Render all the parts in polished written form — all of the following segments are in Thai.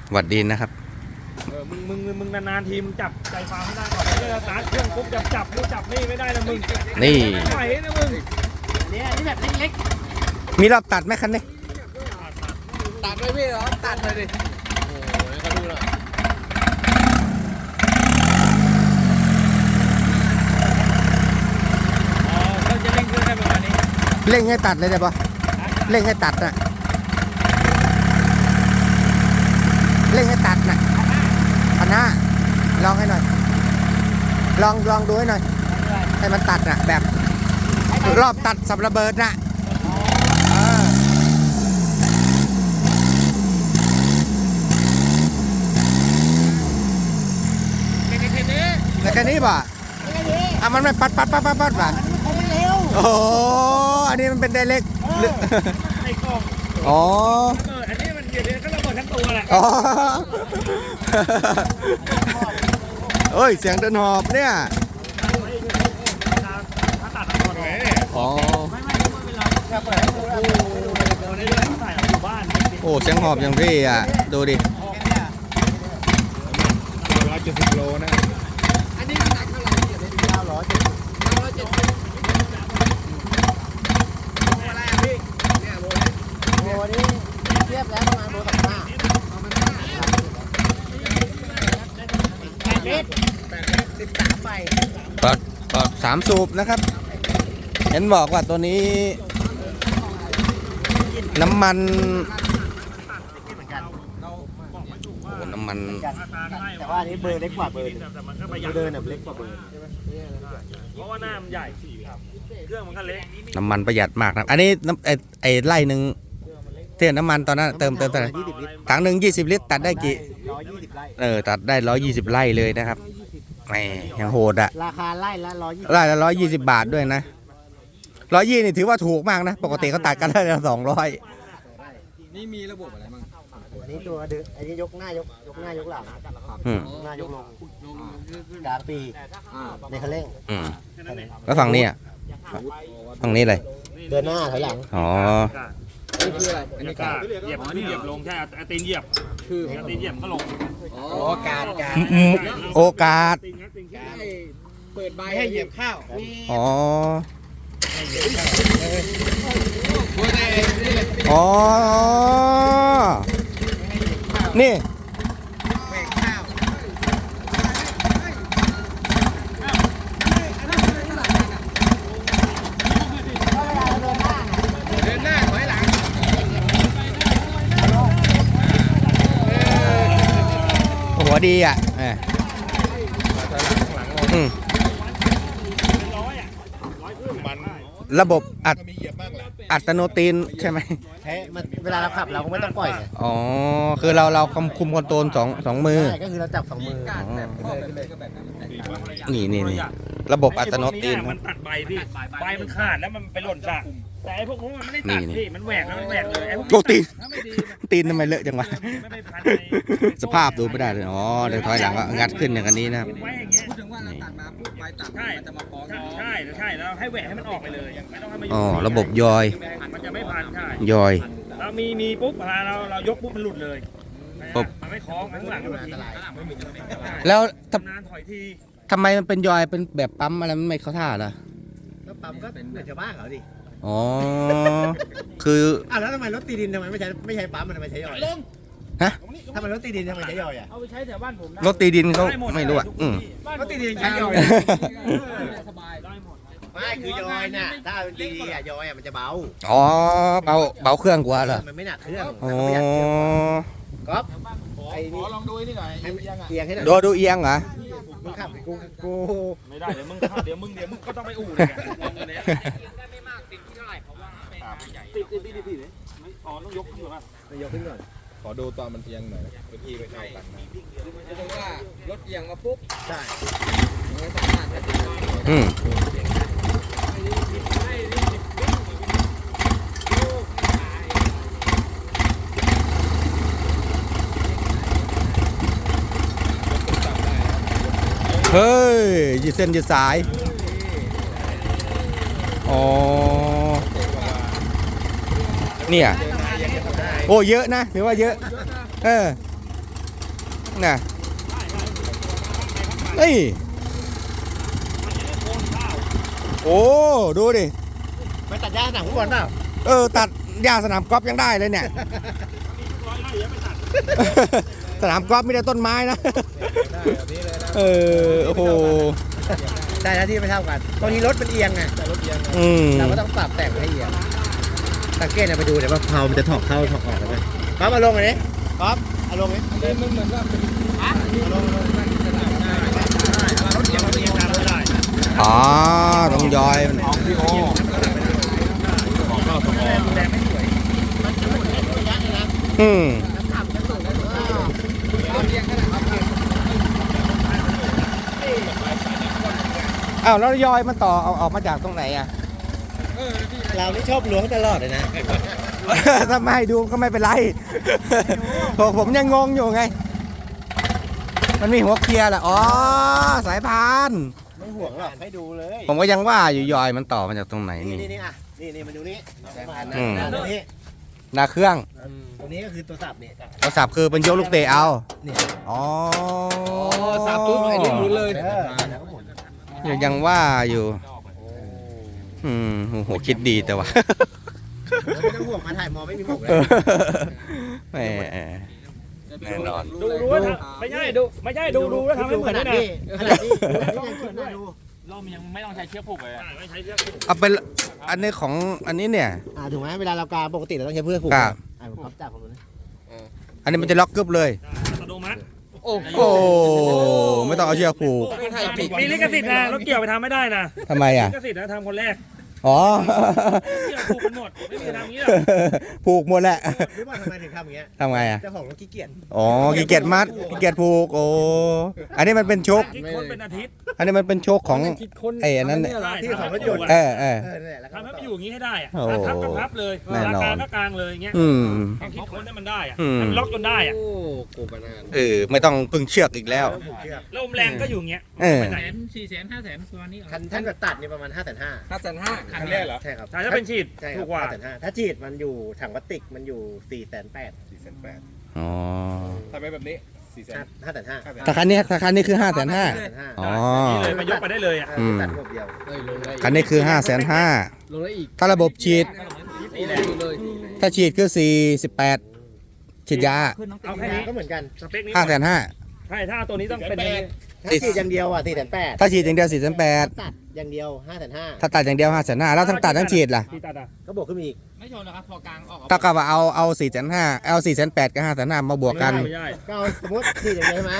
หวัดดีนะครับมึงนานๆทีมึงจับใจฟ้าไม่ได้ก่อนแล้วสตาร์ทเครื่องปุ๊บจับนี่ไม่ได้นะมึงนี่ไหวนะมึงเนี่ยนี่แบบเล็กมีรอบตัดไหมคันนี้ตัดไปพี่เหรอตัดไปดิโอ้ยเขาดูหน่อยเขาจะเร่งเครื่องได้ประมาณนี้เร่งให้ตัดเลยได้ปะเร่งให้ตัดนะเร่งให้ตัดนะ1,500ลองให้หน่อยลองดูให้หน่อยให้มันตัดนะแบบรอบตัดสับระเบิดนะแต่แค่นี้ป่ะมันไม่ปัดป่ะโอ้อันนี้มันเป็นไดเรกไอ้กล้องอ๋ออันนี้มันเดี๋ยวก็ระเบิดทั้งตัวแหละอ๋อเฮ้ยเสียงเดินหอบเนี่ยถ้าตัดทั้งตัวเลยอ๋อไม่เป็นไรจะเปิดให้ดูแล้วดูได้ด้วยถ่ายอยู่บ้านโอ้เสียงหอบอย่างพี่อ่ะดูดิ 170 โลนะอันนี้หนักเท่าไหร่เนี่ยเป็น970อะไรอ่ะพี่เนี่ยโลนี้เทียบแล้วประมาณโล358 เมตร13ใบก็3 สูบนะครับเห็นบอกว่าตัวนี้น้ำมันน้ำมันแต่ว่าอันนี้เบอร์เล็กกว่าเบอร์เดินแบบเล็กกว่าเบอร์เพราะว่าหน้ามันใหญ่เครื่องมันก็เล็กน้ำมันประหยัดมากนะอันนี้ไอ้ไล่หนึ่งเท่าน้ำมันตอนนั้นเติมเท่าไหร่ถังหนึ่ง20 ลิตรตัดได้กี่ 120 ไร่ตัดได้120 ไร่เลยนะครับแหมยังโหดอะราคาไร่ละ120 บาทด้วยนะ120นี่ถือว่าถูกมากนะปกติเขาตัดกันได้ละ200 นี่มีระบบอะไรบ้างอันนี้ตัวดึงอันนี้ยกหน้ายกหน้ายกหลังหน้ายกลงกลางปีในคันเร่งแล้วฝั่งนี้อ่ะฝั่งนี้เลยเดินหน้าถอยหลังอ๋อนี่คืออะไรอันนี้กาดเหยียบลงใช่ตีนเหยียบคือตีนเหยียบก็ลงโอกาสโอกาสเปิดใบให้เหยียบข้าวอ๋ออ๋อนี่หัวดีอ่ะระบบอัตโนตีนใช่ไหมเวลาเราขับเราก็ไม่ต้องปล่อยอ๋อคือเราคุมคอนโทรลสองมือก็คือเราจับ2 มือนี่ระบบอัตโนตีนมันตัดใบพี่ใบมันขาดแล้วมันไปหล่นซะแต่ไอ้พวกมันไม่ได้ตัดพี่มันแหวกแล้วมันแหวกเลยไอ้พวกตีนทำไมเลอะจังวะสภาพดูไม่ได้เลยอ๋อเดี๋ยวถอยหลังก็งัดขึ้นอย่างนี้นะครับพูดถึงว่าเราตัดมาปุ๊บใบตัดมันจะมาฟ้องใช่แล้วให้แหวกให้มันออกไปเลยไม่ต้องให้มันอ๋อระบบยอยมันจะไม่พันใช่ยอยเรามีปุ๊บเรายกปุ๊บมันหลุดเลยมันไม่คล้องข้างหลังมันแล้วนานถอยทีทำไมมันเป็นยอยเป็นแบบปั๊มอะไรมันไม่เข้าท่าล่ะแล้วปั๊มก็เหมือนชาวบ้านเขาดิอ๋อคือแล้วทำไมรถตีดินทำไมไม่ใช้ปั๊มมันทำไมใช้ยอยฮะทำไมรถตีดินทำไมใช้ยอยเอาไปใช้แถวบ้านผมรถตีดินเขาไม่รู้อ่ะรถตีดินใช้ยอยสบายได้หมดไม่คือยอยน่ะถ้าตียอยมันจะเบาอ๋อเบาเครื่องกว่าเหรอมันไม่หนักเครื่องอ๋อก๊อฟไอ้นี่ลองดูนี่หน่อยเอียงให้หน่อยดูเอียงเหรอมึงขับกูไม่ได้เดี๋ยวมึงก็ต้องไปอู่เลยไม่มากติดที่เท่าไหร่เพราะว่าติดเลยอ๋อต้องยกขึ้นก่อนยกขึ้นก่อนขอดูตอนมันเอียงหน่อยพื้นที่ไม่เท่ากันนะคือว่ารถเอียงมาปุ๊บใช่ไม่สามารถจะเฮ้ยยืดเส้นยืดสายอ๋อเนี่ยโอ้เยอะนะถือว่าเยอะน่ะนี่โอ้ดูดิไปตัดหญ้าสนามฟุตบอลเปล่าตัดหญ้าสนามกอล์ฟยังได้เลยเนี่ย สนามกอล์ฟมีแต่ต้นไม้นะได้แบบนี้เลยนะโอ้โหใช่นะที่ไม่เท่ากันตอนนี้รถมันเอียงไงแต่รถเอียงนะเราก็ต้องปรับแต่งให้เอียงสังเกตนะไปดูเดี๋ยวว่าเพลามันจะถอกเข้าถอกออกเลยป๊อปเอาลงอันนี้ป๊อปเอาลงนี้มันเหมือนว่าเป็นลงนั่งจะได้ได้รถเอียงตามไม่ได้อ๋อต้องย้อยมันของพี่โอของเข้าสมองอืมอ้าวแล้วย้อยมันต่อเอาออกมาจากตรงไหนอ่ะเรานี่ชอบล้วงตลอดเลยนะถ้าไม่ให้ดูก็ไม่เป็นไร ผมยังงงอยู่ไง มันมีหัวเกียร์แหละอ๋อ สายพานไม่ห่วงหรอกให้ดูเลยผมก็ยังว่าอยู่ยอยมันต่อมาจากตรงไหนนี่นี่นี่อ่ะนี่มาดูนี่สายพานนะอืมตรงนี้หน้าเครื่องตรงนี้ก็คือตัวสับนี่โทรศัพท์คือเป็นยกลูกเตะเอานี่อ๋อสับปุ๊บไอ้นี่หมุนเลยแล้วก็หมุนยังว่าอยู่ โอ้โหคิดดีแต่ว่าแล้วไม่ต้องห่วงมาถ่ายมอไม่มีหมกเลยแหมแน่นอนดูว่าไม่ใช่ดูแล้วทำให้เหมือนขด้นาวยนะดนี้ขนาดนี้ยังคิดว่าดูเรายังไม่ต้องใช้เชือกผูกเลยไม่ใช้เชือกผูกเอาไปอันนี้ของอันนี้เนี่ยถูกไหมเวลาเรากาปกติเราต้องใช้เพื่อผูกครับผมพับจับผมนะอันนี้มันจะล็อกกึบเลยอัตโนมัติโอ้ไม่ต้องเอาเชือกผูกมีลิขสิทธิ์นะรถเกี่ยวไปทำไม่ได้นะทำไมอ่ะลิขสิทธิ์นะทำคนแรกอ๋อเกี่ยวผูกกันหมดไม่มีทำอย่างนี้หรอกผูกหมดแหละรู้ว่าทำไมถึงทำอย่างเงี้ยทำไงอ่ะเจ้าของรถขี้เกียจอ๋อขี้เกียจมัดขี้เกียจผูก โอ้ อันนี้มันเป็นโชคคิดค้นเป็นอาทิตย์อันนี้มันเป็นโชคของไอ้อันนั้นเนี่ยที่ของรถยนต์เออนั่นแหละแล้วก็ทำให้มันอยู่อย่างนี้ให้ได้อะโอ้พับก็พับเลยแน่นอนกลางก็กลางเลยอย่างเงี้ยอืมต้องคิดค้นให้มันได้อะอืมให้มันล็อกจนได้อะกูปนานไม่ต้องพึ่งเชือกอีกแล้วผูกเชือกแล้วลมแรงก็อยู่อย่างเงี้ยเออไปไหน 400,000 500,000ประมาณนี้คันท่านก็ตัดนี่ประมาณ 5,500 ครั้งแรกเหรอใช่ครับใช่ถ้าเป็นฉีดใช่คถูรับกกว่า 5,500ถ้าฉีดมันอยู่ถังพลาสติกมันอยู่ 4,800 480,000 อ๋อทำไมแบบนี้400,000 5,500 ถ้าคันนี้คือ550,000 5,500 อ๋อนี่เลยมายกไปได้เลยอ่ะอืมตัดระบบเดียวคันนี้คือ550,000 ลงได้อีกถ้าระบบฉีดนี่แหละเลยถ้าฉีดคือ48ฉีดยาเอาแค่นี้ก็เหมือนกันสเปคนี้ 550,000 ใช่ถ้าตัวนี้ต้องเป็นถ้าฉีดอย่างเดียวอ่ะ4,800 ถ้าฉีดอย่างเดียวตัดอย่างเดียว 4,800ถ้าตัดอย่างเดียว550,000แล้วทั้งตัดทั้งฉีดล่ะที่ตัดอ่ะ 5,500ก็บวกขึ้นมาอีกไม่ชนนะครับ พอกลางออกถ้ากับว่าเอา450,000เอา480,000กับ550,000มาบวกกันไม่ได้ก็เอาสมมติฉีดอย่างเดียวใช่ไหม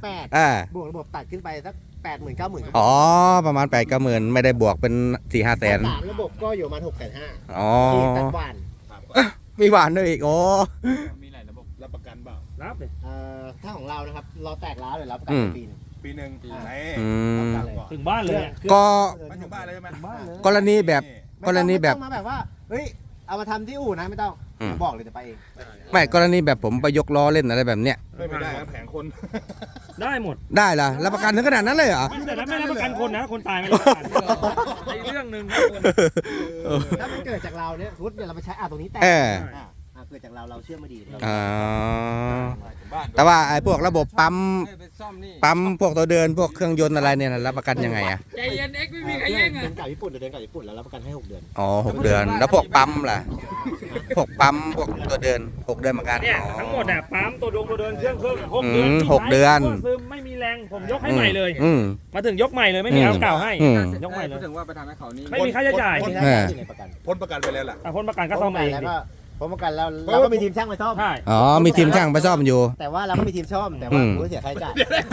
8 บวกระบบตัดขึ้นไปสัก 80,000 90,000 อ๋อประมาณ8 9 0,000ไม่ได้บวกเป็น4-5 แสนสามระบบก็อยู่ประมาณ6,500 อ๋อฉีดตัดหวานมีหวานด้วยอีกโอ้มีหลายระบบรับประกันเปล่ารับเลยถ้าของเรานะครับเราแตกร้าวเลยรับประกันปีนึงปีหนึ่งไหนอืมถึงบ้านเลยอะก็มาถึงบ้านเลยใช่ไหมกรณีแบบกรณีแบบไม่ต้องมาแบบว่าเฮ้ยเอามาทำที่อู่นะไม่ต้องอืมบอกเลยจะไปเองไม่กรณีแบบผมไปยกล้อเล่นอะไรแบบเนี้ยไม่ได้ครับแผงคนได้หมดได้ล่ะรับประกันถึงขนาดนั้นเลยเหรอแต่ถ้าไม่รับประกันคนนะคนตายไม่รับประกันในเรื่องหนึ่งนะคนถ้ามันเกิดจากเราเนี่ยสมมติเราไปใช้ตรงนี้แตกเออเกิดจากเราเชื่อไม่ดีเราอ๋อบ้านแต่ว่าไอ้พวกระบบปั๊มไปซ่อมนี่ปั๊มพวกตัวเดินพวกเครื่องยนต์อะไรเนี่ยรับประกันยังไงอะใจเย็นเอ็กไม่มีใครแย่งเดิอ่ะนกลับญี่ปุ่นเดินกลับญี่ปุ่นแล้วรับประกันให้6 เดือนอ๋อ6 เดือน แล้วพวกปั๊มล่ะพวกปั๊มพวกตัวเดิน6 เดือนเหมือนกันเนี่ยอ๋อทั้งหมดเนี่ยปั๊มตัวเดินเครื่อง6 เดือน 6 เดือนซึมไม่มีแรงผมยกให้ใหม่เลยอืมมาถึงยกใหม่เลยไม่มีเอาเก่าให้อืมยกใหม่เลยถึงว่าไปทำให้เขานี่ไม่มีค่าใช้จ่ายไม่ได้อยู่ในประกันพ้นประกันไปแล้วล่ะพ้นประกันก็ซ่อมเองแล้วดิก็พอประกันแล้วเราก็มีทีมช่างไปซ่อมใช่อ๋อมีทีมช่างไปซ่อมอยู่แต่ว่าเราก็มีทีมซ่อมแต่ว่าผู้เสียค่าใช้จ่าย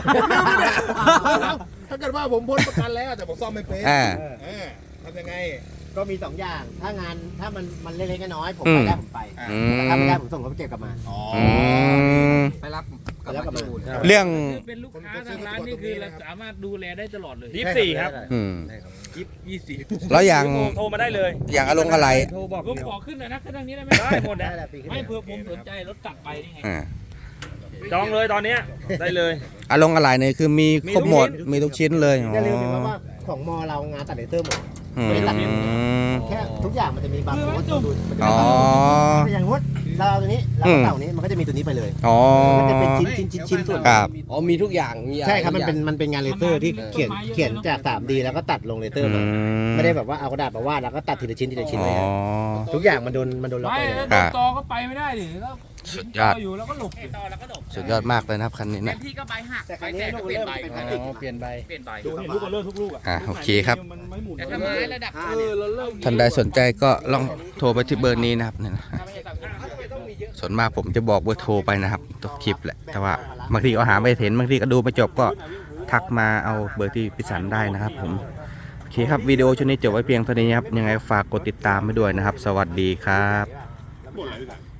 ถ้าเกิดว่าผมพ้นประกันแล้วแต่ผมซ่อมไม่เป็นอ่าทำยังไงก็มี2 อย่างถ้างานถ้ามันเล็กๆน้อยๆผมอืไปมได้ผมไปอืแต่ถ้าไม่มได้ผมส่งรถไปเก็บกลับมาอ๋ออืมไปรับแล้วกลับมาเรื่องเป็นลูกค้าทางร้านนี่คือเราสามารถดูแลได้ตลอดเลย 24ครับอืม 24 แล้วอย่างโทรมาได้เลยอย่างอารมณ์อะไรโทรบอกผมขอขึ้นหน่อยนะขึ้นทางนี้ได้ไหมได้หมดได้นะแหละปีขึ้นไม่เผื่อผมสนใจรถกลับไปนี่ไงอ่าจองเลยตอนเนี้ยได้เลยอารมณ์อะไรเนี่ยคือมีครบหมดมีทุกชิ้นเลยอ๋ออย่าลืมถึงว่าของมอเรางานตัดเลเซอร์หมดอืมแค่ทุกอย่างมันจะมีบางโค้ดดูมันจะอ๋อเป็นอย่างงดเราเอาตัวนี้เราก็เต่านี้มันก็จะมีตัวนี้ไปเลยอ๋อมันจะเป็นชิ้นส่วนครับอ๋อมีทุกอย่างมีอะไรใช่ครับมันเป็นงานเลเซอร์ที่เขียนจาก 3D แล้วก็ตัดลงเลเซอร์มาไม่ได้แบบว่าเอากระดาษมาวาดแล้วก็ตัดทีละชิ้นทีละชิ้นอ๋เลยอทุกอย่างมันโดนล็อกไปไปเลยแล้วครับจอก็ไปไม่ได้ดิแล้วสุดยอดอยู่แล้วก็หลบสุดยอดมากเลยนะครับคันนี้นะพี่ก็ใบหักแต่คใบรั้งแตนี้กลูก็กเปลี่ยนเริ่มใบเป็นพลาสติกเปลี่ยนใบเปลี่ยนใบดูเห็นลูกกันเลิกทุกลูกอ่ะโอเคครับมันไม่หมุนแต่ถ้าไม้ระดับท่านใดสนใจก็ลองโทรไปที่เบอร์นี้นะครับเนี่ยนะส่วนมากผมจะบอกเบอร์โทรไปนะครับตัวคลิปแหละแต่ว่าบางทีก็หาไม่เห็นบางทีก็ดูไม่จบก็ทักมาเอาเบอร์ที่พิสันได้นะครับผมโอเคครับวิดีโอชุดนี้จบไว้เพียงเท่านี้ครับยังไงฝากกดติดตามไปด้วยนะครับ สวัสดีครับหมดเลยพี่